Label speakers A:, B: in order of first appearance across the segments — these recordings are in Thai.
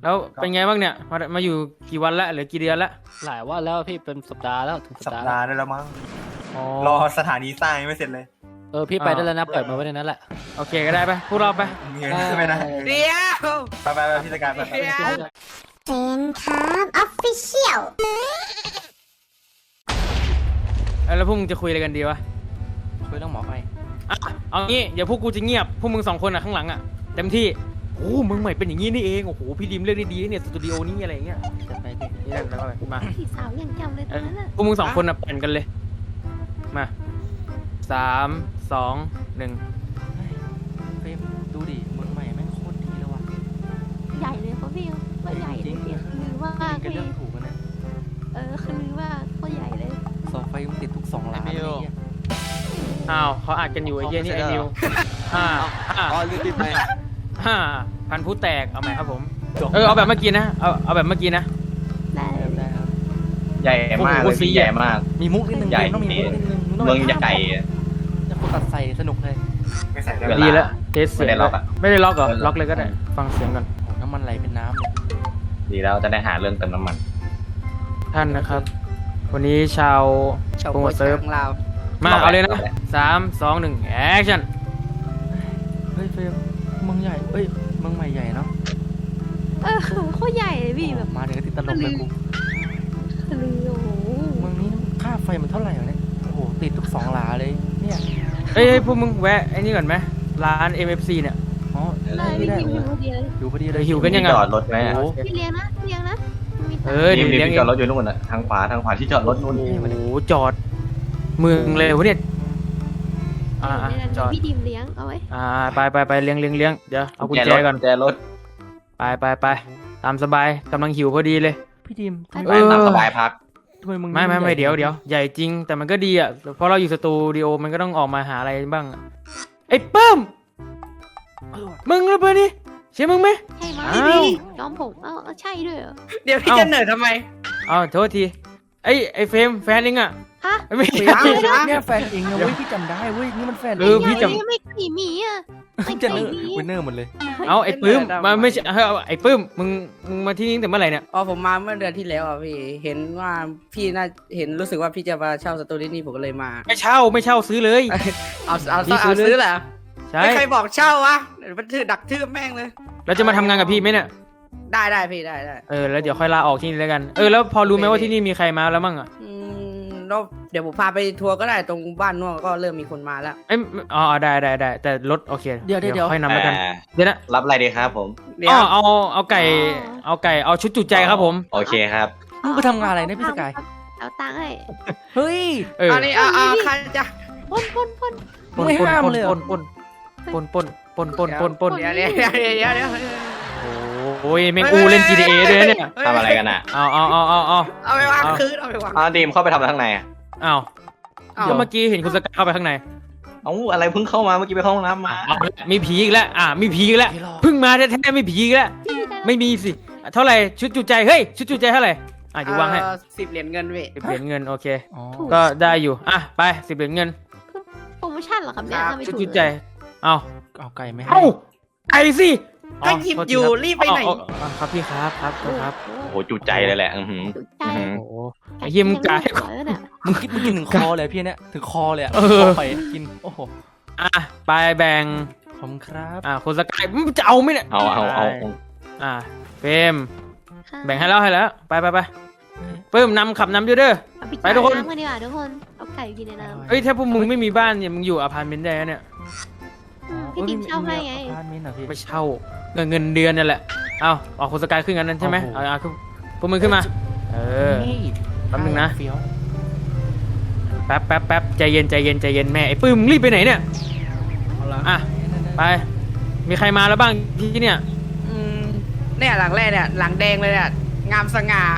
A: แล้วเป็นไงบ้างเนี่ยมาอยู่กี่วันละหรือกี่เดือนละ
B: หลายวันแล้วพี่เป็นสัปดาห์แล้วถึงสั
C: สั
B: ป
C: ป
B: ดาห์
C: ดาห์ได้แล้วมั้ง
A: อ๋อ
C: รอสถานีสร้างยังไม่เสร็จเลย
B: พี่ไปได้แล้วนะเปิดมาไว้ในนั้นแหละ
A: โอเคก็ได้ไปพวกเราไป
C: มีเงินใช่ไหมนะ
D: เดี๋ยว
C: ไปพี่สกายไป
D: เดี๋ยว
E: เฟนครับออฟฟิเชียล
A: แล้วพวกมึงจะคุยอะไรกันดีวะ
B: คุยเรื่องหมอไฟ
A: อ่ะเอางี้เดี๋ยวพวกกูจะเงียบพวกมึง2คนอ่ะข้างหลังอ่ะเต็มที่โอ้มึงใหม่เป็นอย่างงี้นี่เองโอ้โหพี่ดิมเลือกได้ดีเนี่ยสตูดิโอนี้อะไรอย่างเงี้ย
B: จะไปพี่
A: นี่นั่นแล้วก็ไปมา
E: พี่สาวยังจำเลยตอนนั้นอ่ะ
A: พวกมึง2คนอ่ะปั่นกันเลยมา3 2 1
B: เฟรมดูดิเมืองใหม่แม่งโคตรดีเลยว่ะ
E: ใหญ่เลยเขาพี่ว่าใหญ่เลยพี่คือว่า
B: กัน
E: พี่
B: เรื่องถูกกันเนี่ย
E: คือว่าเขาใหญ่เลย
B: เสาไฟมันติดทุก2 ล้านเลยเนี่ย
A: อ้าวเขาอัดกันอยู่ไอ้เหี้ยนี่ไอ้นิวพันผู้แตกเอาใหม่ครับผมเอาแบบเมื่อกี้นะเอาแบบเมื่อกี้นะ
E: ได้
B: ได้ครับ
F: ใหญ่มากเลยพี่ใหญ่มาก
B: มีมุกนิดนึง
F: ใหญ่
B: ต้องมีมุกนิดนึง
F: เมืองใหญ่อะ
B: จะคนตัดใส่สนุกเลย
C: ไม่ใส่ได้
F: เวลา
A: ดีแล้วเทสเสียง
F: ไม่ได้ล็อกอะ
A: ไม่ได้ล็อกเหรอล็อกเลยก็ได้ฟังเสียงก่อน
B: โอ้น้ำมันไหลเป็นน้ำเลย
F: ดีแล้วจะได้หาเรื่องเติมน้ำมัน
A: ท่านนะครับ วันนี้ชาว
D: ชาว
A: โปร
D: โป
A: โม
D: ร
A: ทเซิร์ฟ
D: ของเรา
A: มาเอาเลยนะ3 2 1แอคชั่น
B: เฮ้ยเฟรมเมืองใหญ่เมืองใหม่ใหญ่เนาะ
E: เขาใหญ่เลยพี่แบบ
B: มาถึงก็ติดตลกเลยกู
E: คือโอ้โห
B: เมืองนี้ค่าไฟมันเท่าไหร่วะเนี่ยโอ้โหติดทุก2 ล้านเลยเนี่ย
A: เอ้ยพวกมึงแวะไอ้นี่ก่อนไหมร้าน MFC เนี่ย
B: อ๋อ
E: ได้
B: ไม่
E: พี่
B: ได้
E: หิวพอดีเลย
B: อยู่พอดีเลย
A: หิวกันยังไง
F: จอดรถไหมอะ
B: โอ้โห
E: พี่เลี้ยงนะมี
A: เออ
F: มี
A: เดี๋ยวเลี้ยง
F: ที่
A: เอ
F: จอง ดรถอยู่นู่นน่ะทางขวาที่จอดรถนู่น
A: โอ้โหจอดเมืองเลยวะเนี่ยจอด
E: พี่ดิมเลี้ยงเอาไว้
A: ไปเลี้ยงเดี๋ยวเอากุญแจก่อน
F: แจรถ
A: ไปตามสบายกำลังหิวพอดีเลย
B: พี่ดิมทำ
F: ไปตามสบายพัก
B: ทำไมมึง
A: ไม่เดี๋ยวใหญ่จริงแต่มันก็ดีอ่ะเพราะเราอยู่สตูดิโอมันก็ต้องออกมาหาอะไรบ้างอะไอ้ปื้มมึงหรือเปล่านี่ใช่มึงไหม
E: ใช่ไหม
A: อ้าว
E: ย้อมผมใช่ด้วยเหรอ
D: เดี๋ยวพี่จะเหนื่อยทำไม
A: เอาโทษทีไอ้เฟรมแฟนเองอ่ะ
E: ฮะ
A: ไม่
D: เฟร
A: ใช่
D: ม
B: เนี่ยแฟนเองนะเว้ยพี่จำได้เว้ยนี่มันแฟน
A: พี่จำ
E: ไม่ขี่หมีอ่ะไม่
B: จะ
E: ขี่
B: เนอร์
E: หมี
B: วินเนอร์หมดเลย
A: เอาไอ้ปื้มมาไม่ใช่ไอ้ปื้มมึงมาที่นี่ตั้งแต่เมื่อไหร่เนี่ย
D: อ๋อผมมาเมื่อเดือนที่แล้วอ่ะพี่เห็นว่าพี่น่าเห็นรู้สึกว่าพี่จะมาเช่าสตูดิโอนี่ผมก็เลยมา
A: ไม่เช่าซื้อเลย
D: เอา
A: พี่ซื้อเลย
D: ซื้อแหละ
A: ใช่
D: ไม่ใครบอกเช่าวะเดี๋ยวมันชื่อดักชื่อแม่งเลย
A: แล้วจะมาทำงานกับพี่ไหมเนี่ย
D: ได้พี่ได้
A: แล้วเดี๋ยวค่อยลาออกที่นี่แล้วกันแล้วพอรู้ไหมว่าที่นี่มีใครมาแล้วมั่งอ่ะ
D: แล้วเดี๋ยวผมพาไปทัวร์ก็ได้ตรงบ้านนอกก็เริ่มมีคนมาแล้ว
A: ได้แต่รถโอเค
B: เดี๋ยว
A: ค่อยนำแล้วกันเดี๋ยวนะ
F: รับอะไรดีครับผม
D: เดี๋ยว
A: เอาไก่เอาชุดจุใจครับผม
F: โอเคครับ
B: มึงไปทำงานอะไรนะพี่สกาย
E: เอาตังค์ให้
B: เฮ้ย
D: อันนี้ใครจะ
E: พ่น
B: ไม่ห้ามเลยเหรอ
A: ปน
D: เดี๋ยว
A: โอ้ยแม่งกูเล่น GTA ด้วยเนี่ย
F: ทำอะไรกันอ่ะ
A: เอา
D: เอาไปวางคืนเอาไปวาง
F: ดีมเข้าไปทำอะไรข้างในอ่ะ
A: ก็เมื่อกี้เห็นคุณสกายเข้าไปข้างใน
F: อะไรเพิ่งเข้ามาเมื่อกี้ไปเข้าห้องน้ำมา
A: มีผีอีกแล้วมีผีอีกแล้วเพิ่งมาแท้ๆมีผีอีกแล้วไม่มีสิเท่าไหร่ชุดจุใจเฮ้ยชุดจุใจเท่าไหร่อยู่วางให้
D: 10 เหรียญเงินพี่
A: 10 เหรียญเงินโอเค
B: อ๋อ
A: ก็ได้อยู่ไป10 เหรียญเงิน
E: โปรโมชั่นเหรอครับเนี่ยทำไม
A: ชุด
E: ถูก
A: จุใจเอา
B: เอาไก่ไม่ให้
A: ไอ้สิ
D: ก็หยิบอยู่รีบไปไหน
A: ครับพี่ครับ
F: โอ้โหจุใจเลยแหละ
E: ถูกใจ
A: โอ้โหไอ้เหี้ยมึงกาย
E: เนี่ย
B: มึงกินถึงคอเลยพี่เนี่ยถึงคอเลยอ่ะไปกินโอ้โห
A: ไปแบ่ง
B: ขอบคุณครับ
A: คุณสกายมึงจะเอาไหมเนี่ย
F: เอา
A: เฟรมแบ่งให้แล้วไปเพิ่มขับนำด้วยเด้อ ไปทุกคน
E: น้ำกันดีกว่าทุกคนเอาไก่กินในน้ำ
A: ถ้าพวกมึงไม่มีบ้านเนี่ยมึงอยู่อพาร์ตเมนต์ได้เนี่ย
E: พี่ดิมเช่าให้ไง
B: บ้านมิ้นเหรอพี่
A: ไม่เช่าเงินเดือนนั่นแหละเอาคุณสกายขึ้นกันนั้นใช่ไหมพวกมึงขึ้นมาแป๊บนึงนะ
B: เฟี้ยว
A: แป๊บใจเย็นแม่ไอ้ปื้มมึงรีบไปไหนเนี่ยไปมีใครมาแล้วบ้างที่เนี่ย
D: เนี่ยหลังแรกเนี่ยหลังแดงเลยเนี่ยงามสง่าง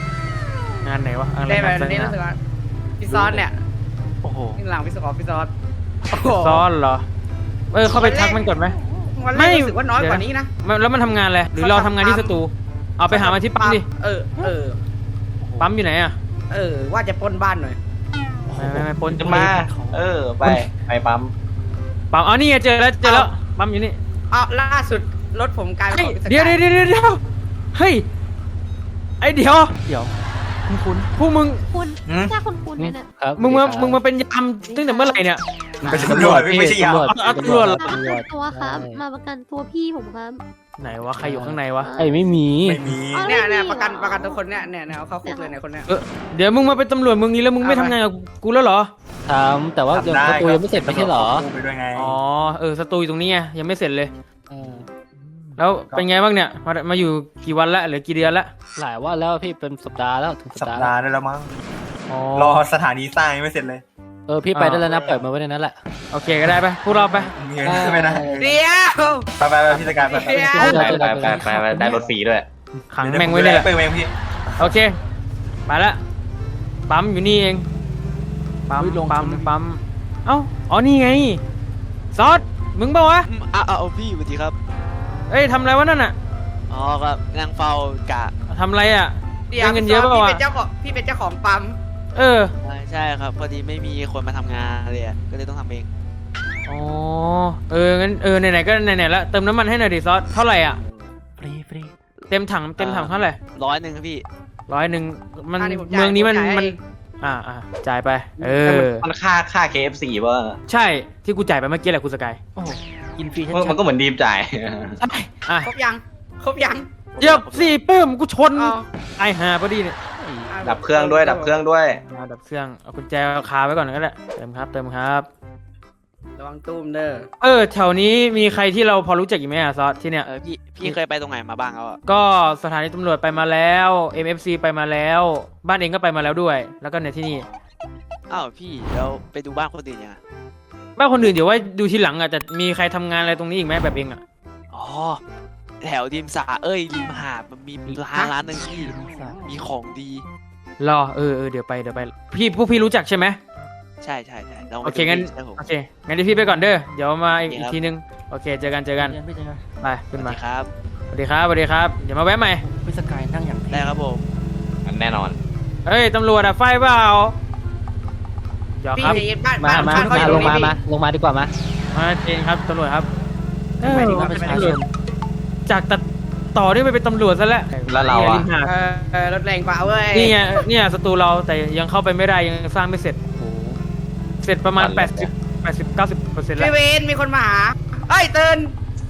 A: านไหนวะ
D: ได้แบบนี้รู้สึกว่าพี่ซอสเนี่ย
B: โอ้โห
D: นี่หลังพี่ซอส
A: ซ้อนเหรอเข้าไปทักมันก่อนไหม
D: วันแรกรู้สึกว่าน้อยกว่านี้นะ
A: แล้วมันทำงานอะไรหรือเราทำงานที่สตูเอาไปหามาที่ปั๊มดิ ปั๊มอยู่ไหนอ่ะ
D: ว่าจะปล้นบ้านหน่อย
A: ไม่ปน
F: ขึ้นมาไปปั๊ม
A: ปั๊มนี่เจอแล้วปั๊มอยู่นี่
D: ล่าสุดรถผมกลายเป็นของ
A: เดี๋ยวเฮ้ยไอเดี๋ยว
B: คุณ
A: พวกมึง
E: คุณถ้าคุณเนี่ยนะครับ
A: มึงมาเป็นยามตั้งแต่เมื่อไหร่เนี่ย
C: มันเป็นตำรวจไม่ใช่ยาม
A: ตำรวจเหรอ
E: มาประกันตัวครับมาประกันตัวพี่ผมครับ
A: ไหนวะใครอยู่ข้างในวะ
B: ไอ้ไม่มี
C: ไม่มี
D: เนี่ยประกันทุกคนเนี่ยเอาเข้าคุกเลยเนี่ยคนเนี้ย
A: เดี๋ยวมึงมาเป็นตำรวจมึงนี้แล้วมึงไม่ทำงานกับกูแล้วเหรอ
B: ทำแต่ว่าเดี๋ยวประตูยังไม่เสร็จไม่ใช่เหรอ
C: ไปด้วยไง
A: อ๋อสตูอยู่ตรงนี้ไงยังไม่เสร็จเลย แล้วเป็นไงบ้างเนี่ยมาอยู่กี่วันละหรือกี่เดือนละ
B: หลายว่าแล้วพี่เป็นสัปดาห์แล้วถึงสั
C: สั
B: ป
C: ป
B: ดาห์
C: ดาห์ได้แล้วมั้ง
A: อ๋อ
C: รอสถานีสร้างยังไม่เสร็จเลย
B: พี่ไปได้แล้วนะปล่อยมาไว้ในนั้นแหละ
A: โอเคก็ได้ไปพวกเราไป
C: มีเงินใช่ไหมนะ
D: เดี๋ยว
C: ไปพี่จัดการไป
D: เดี๋ยว
F: ไปได้รถฟรีด้วย
A: ขังแม่งไว้เนี่ยแหละ
C: เปิดเองพี่
A: โอเคไปละปั๊มอยู่นี่เองปั๊มปั๊มเอ้าอ๋อนี่ไงซอสมึงเปล่าวะ
G: เอาพี่สวัสดีครับ
A: เอ้ยทำอะไรวะนั่นอ่ะ
G: อ๋อครับนั่งเฝ้ากะ
A: ทำอะไรอ่ะ
D: เดี๋ยว
A: ได้เงินเยอะเปล่าวะ
D: พี่เป็นเจ้าของปั๊ม
A: เออ
G: ใช่ครับ พอดีไม่มีคนมาทำงานเลยอะก็เลยต้องทำเอง
A: อ๋องั้นไหนๆก็ไหนๆละเติมน้ำมันให้หน่อยดิซอสเท่าไหร่อ่ะ
B: ฟรี
A: เต็มถังเท่าไหร่
G: 100ครับพี่
A: 100มัน
D: อันนี้ผมจ่าย
A: เมืองนี้มัน
D: ผมจ่าย
A: มันจ่ายไป
F: มันค่า KFC ป่ะ
A: ใช่ที่กูจ่ายไปเมื่อกี้แหละคุณสกาย
B: กินฟรีชั
F: มัน
B: ด
F: ก็เหมือนดีมจ่าย
A: ใช่อ่ะ
D: ครบยัง
A: เหยียบสี่ปื้มกูชน
D: เอา
A: ไอหาพอดีเนี่ย
F: ดับเครื่องด้วย ดับเครื่องด้วย
A: ดับเครื่องเอากุญแจคาไว้ก่อนก็ได้เติมครับ
D: ระวังตุ้มเด้อ
A: แถวนี้มีใครที่เราพอรู้จักอีกไหมอะซอสที่เนี่ย
G: พี่เคยไปตรงไหนมาบ้างแล้วอะ
A: ก็สถานีตำรวจไปมาแล้ว MFC ไปมาแล้ว บ้านเองก็ไปมาแล้วด้วย แล้วก็ในที่นี่
G: อ้าวพี่แล้วไปดูบ้านคนอื่นยังอะ
A: บ้านคนอื่นเดี๋ยวไว้ดูทีหลังอ่ะจะมีใครทำงานอะไรตรงนี้อีกไหมแบบเองอ่ะ
G: อ๋อแถวริมสระริมหาดมันมีร้านหนึ่งที่มีของดี
A: รอเดี๋ยวไปพวกพี่รู้จักใช่ไหม
G: ใช่เรา
A: โอเคงั้น
G: ใช่ผม
A: โอเคงั้นเดี๋ยวพี่ไปก่อนเด้อเดี๋ยวมาอีก
G: โอเคครับ
A: ทีนึงโอเคเจอกัน
B: ๆพี่เจอกัน
A: ไปขึ้น
G: ส
A: มา
G: วัสดีครับ
A: สวัสดีครับเดี๋ยวมาแวะใหม่
B: พี่สกายนั่งอย่าง
G: ได้ครับผม
F: แน่นอน
A: เฮ้ยตำรวจอะไฟเปล่าเดี๋ยว
D: พี่
A: ครับ
D: บ้าน
B: มา
D: บ้านเขาอยู่
B: ล
D: ตรง ง
B: มา
D: นี้
B: ลงมาดีกว่ามา
A: มาเองครับตำรวจครับ
B: ไปดีกว่าประชาชน
A: จากตัดต่อนี่ไปเป็นตำรวจซะแล้ว
F: แล้วเราอะ
A: นี่ไงริมหาด
D: รถแรงกว่าเว้ย
A: นี่ไงเนี่ยสตูเราแต่ยังเข้าไปไม่ได้ยังสร้างไม่เสร็จ เสร็จประมาณ 90-90%แล้ว
D: พี่เวนมีคนมาหาเฮ้ยเตือน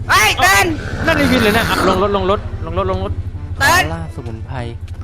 A: นั่นในวินเลยนะลงรถ
D: เตือน
B: ล่าสมุนไพร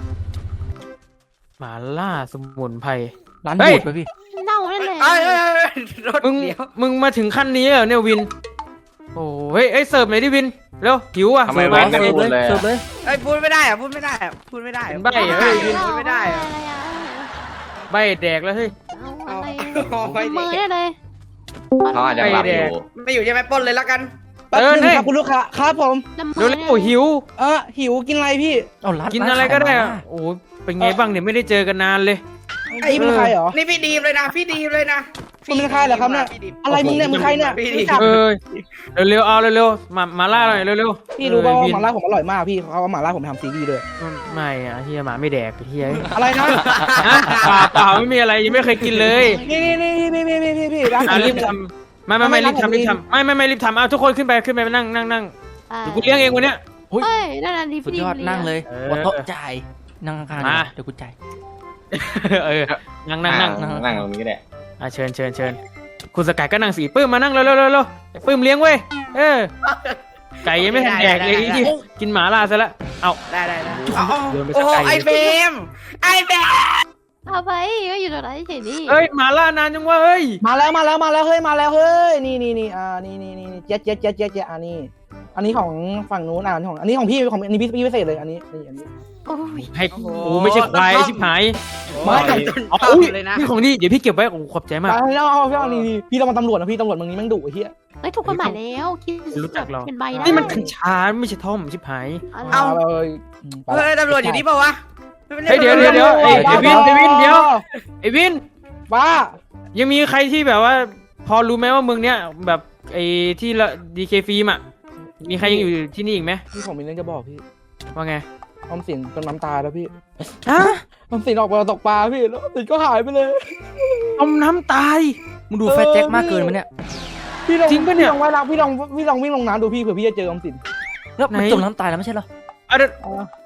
A: หมาล่าสมุนไพร
B: ร้าน
A: เฮ้ย
B: บูดไปพี่
E: เน่านั่นแหละ
D: รถ
A: มึง
D: เดี๋ยว
A: มึงมาถึงขั้นนี้เหรอเนี่ยวิน โอ้เฮ้ยเสิร์ฟหน่อยดิวินเร็วหิวอ่ะ
F: ทำไม
A: เสิร์ฟ
F: ไม่
A: มา
F: พูดเลย
B: เสิร์ฟเลย
D: พูดไม่ได้พูดไม่ได้
A: เป็นใบ้เหรอ
D: พูดไม่ได้
E: อะไรอะ
A: ใบแดกแล้วเฮ้ย
E: เอาอะไร
D: เอาไปดิ
E: มือได้เลย
F: เขาอาจจะหลับอยู่
D: ไม่อยู่ใช่ไหมปล้นเลยแล้วกัน
A: นี่
H: ครับคุณลูกค้าครับผม
E: ละเม
A: เร็ว
E: อ
A: เร็วหิว
H: หิวกินอะไรพี่
B: เอาร้าน
A: กินอะไรก็ได้อะโอ้เป็นไงบ้างเนี่ยไม่ได้เจอกันนานเลย
H: ไอ้เป็นใครเหรอ
D: นี่พี่ดีมเลยนะพี่ดีมเลยนะ
H: คุณเป็นใครเหรอครับเนี่ย อะไรมึงเนี่ยมึงใครเนี่ย
D: พี่
H: รู้จัก
A: เร็วเอาเร็วมาล่าหน่อยเร็ว
H: พี่รู้ป่าวว่าหม่าล่าผมอร่อยมากพี่เขาเอาหม่าล่าผมไปทำซีรีส์ด้วย
A: ไม่อะเฮียหมาไม่แดกเฮีย
H: อะไรนะ
A: เปล่าไม่มีอะไรยังไม่เคยกินเลย
H: นี่พี่ร้าน
A: รีบทำไม่รีบทำไม่รีบทำเอาทุกคนขึ้นไปนั่งเดี๋ยวกูเลี้ยงเองวันเนี้ย
E: เฮ้ยนั่นน่ะดี
B: สุด
E: พี่
B: ยอด
E: ดี
B: นั่งเลย
A: เออ
B: บนโต๊ะจ่ายนั่งข้างๆ
A: มา
B: เดี๋ยวกูจ่าย
A: นั่ง
F: นั่งตรงนี้ก็ได้
A: เชิญคุณสกายก็นั่งสีปื้มมานั่งเร็วปื้มเลี้ยงเว้ยไก่ยังไม่ทันแดกเลยที่กินหมาล่าซะแล้วเอา
D: ได้
A: โดนไป
D: โอ้
A: สักไก่
D: ไอเบม
E: เอาไปก็อยู่ตรงนั้นเฉยนี่
A: เฮ้ยหมาล่านานจังวะเฮ้ย
H: มาแล้วเฮ้ยนี่นี่เจ็ดอันนี้ของฝั่งนู้นอันนี้ของพี่อันนี้พี่พิเศษเลยอันนี้
E: โอ้ย
A: ให้กูไม่ใช่ควายชิบหาย
H: ไม่
A: อ๋ออุ้ยนี่ของดีเดี๋ยวพี่เก็บไว้โอ้ขอบใจมาก
H: เอานี่พี่ต้องมาตำรวจนะพี่ตำรวจมึงนี้แม่งดุไอ้เหี้ย
E: เฮ้ยถูกกฎหมายแล้วคิด
A: รู้จักเรา
E: เป็นใบได้
A: นี่มันกัญชาไม่ใช่ท่อมชิบหาย
E: เอา
H: เลย
D: เฮ้ยตำรวจอยู่นี่เปล่าวะ
A: เฮ้ยเดี๋ยวไอ้วินเดี๋ยวไอ้วิน
H: บ้า
A: ยังมีใครที่แบบว่า พอรู้ไหมว่าเมืองเนี้ยแบบไอ้ที่ละดีเคฟิล์มอ่ะมีใครยังอยู่ที่นี่อีกไหม
H: พี่ผมมีเรื่องจะบอกพี่
A: ว่าไง
H: ออมสินจมน้ำตายแล้วพี่
A: ฮะ
H: ออมสินออกไปตกปลาพี่แล้วออมสินก็หายไปเลย
A: จมน้ำตาย
B: มึงดูแฟตแจ็คมากเกินมั้ยเนี่ย
H: พี่ลอง
A: จริงปะเนี่ย
H: พี่ลองว่ายน้ำพี่ลองวิ่งลงน้ำดูพี่เผื่อพี่จะเจอออมสิน
B: แล้วมัน
A: ไหน
B: จมน้ำตายแล้วไม่ใช่เหรอ
A: เอาเดี๋ยว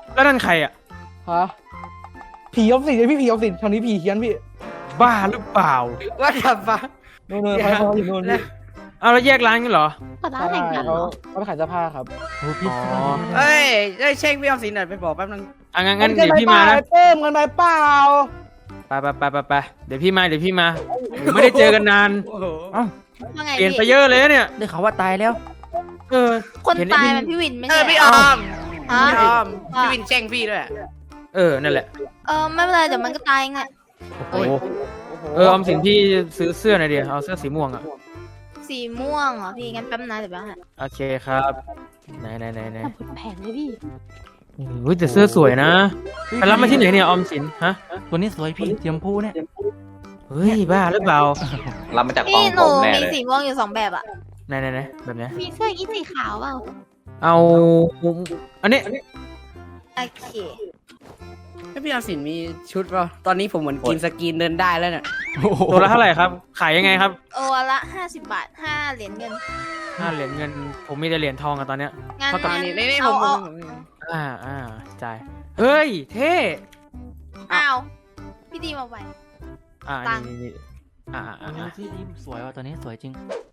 A: แล้วนั่นใครอ่ะ
H: ฮะผีออมสินพี่ผีออมสินแถวนี้ผีเฮี้ยนพี่
A: บ้าหรือเปล่า
D: ว่าดับฟ้า
H: นู่นๆเขาอยู่นู่นพี่
A: เอาแล้วแยกร้านกันเหรอ
E: ก็ร้าน
H: ใช่
E: แข่งกันเหร
H: เขา
E: อ
H: ไปขายเสื้อผ้าครับ
B: โอ้พี่
A: อ๋อ
D: เอ้ยเช็คพี่ออมสินหน่อยไปบอกแป๊บนึง
A: อ่ะงั้นเดี๋ยวพี่มานะ
H: เพิ่มกันไปเปล่า
A: ไปเดี๋ยวพี่มาไม่ได้เจอกันนาน
D: โอ้โห
E: ว่าไง
A: เปลี่ยนไป
E: พี่
A: เยอะเลยนะเนี่ย
B: ได้ข่าวว่าตายแล้ว
A: เออ
E: คน
A: เห็น
E: ตาย
A: ไอ้
E: มันพี่วินไม่
D: เอ
E: ใช่
D: อพี่ออม
E: ฮะ
D: พี่ออม
E: ว่า
D: พี่วินแช่งพี่ด้วย
A: เออนั่นแหละ
E: ไม่เป็นไรเดี๋ยวมันก็ตายไง
A: โอ้โหออมสินพี่ซื้อเสื้อหน่อยดิเอาเสื้อสีม่วงอ่ะ
E: สีม่วงเหรอพี่งั้นแป๊บนะเดี๋ยวแป๊บนะ
A: โอเคครับไหน
E: แต่ผลแผงเลยพี่
A: อุ้ยแต่เสื้อสวยนะไปรับมาที่ไหนเนี่ยออมสินฮะ
B: ตัวนี้สวยพี่เทียมพูเนี่ย
A: เฮ้ยบ้าหรือเปล่า
F: รับมาจากกอ
E: พี่
F: ง
E: ห
F: ผ
E: นู
F: มแน่
E: มี
F: เลย
E: สีม่วงอยู่2แบบอะ
A: ไหนแบบไหน
E: มีเสื้ออีสีขาวเปล่า
A: เอาอันนี้
E: โอเค
D: แล้วพี่ออมสินมีชุดเปล่าตอนนี้ผมเหมือนกินสกินเดินได้แล้วเนี่ย
A: ตัวละเท่าไหร่ครับ ขายยังไงครับ
E: โอ้ละ50 บาท5เหรียญเงิน
A: 5 เหรียญเงินผมมีแต่เหรียญทองอะตอนเนี้ย
E: งั้น
A: เท่ากับ
E: งั้น
D: นี่ผ
E: เอา
D: ม
E: เอา
A: จ่ายเฮ้ยเท่
E: อ้าวพี่ดีมาไว้ ตังค์
A: นี่อ่า
B: ที่ดีสวยว่ะตัวนี้สวยจริง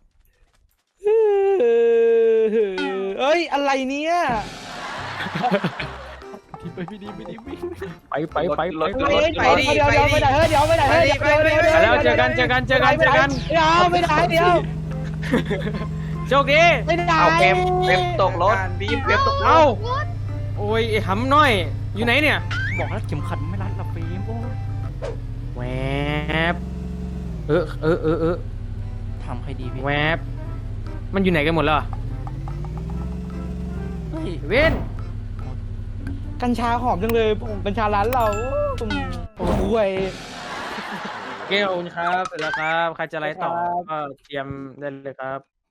H: เอ้ยอะไรเนี่ย
B: ไปพี่ดีวิ่ง
A: ไป
H: ไปเดี๋ยวไปไหนเฮ้ยเดี๋ยวไปไหนเฮ้ย
A: ไปแล้วเจอกัน
H: เดี๋ยวไปไหนเดี๋ยว
A: โชคดี
H: ไปไหน
F: เอาเว็บตกรถบีบเว็บตกรถ
A: เอ้าโอ้ยไอ้หำน้อยอยู่ไหนเนี่ย
B: บอกแล้วเข็มขัดไม่รัดละฟิล์มโอ้
A: แวบ
B: ทำให้ดีพี่
A: แวบมันอยู่ไหนกันหมดแล้วอะ
B: เฮ้ย
A: เว้น
H: กัญชาหอมจังเลยผมกัญชาร้านเราโอ้โห
A: เกลครับเสร็จแล้วครับใครจะไลฟ์ต่อก็เตรียมได้เลยครับ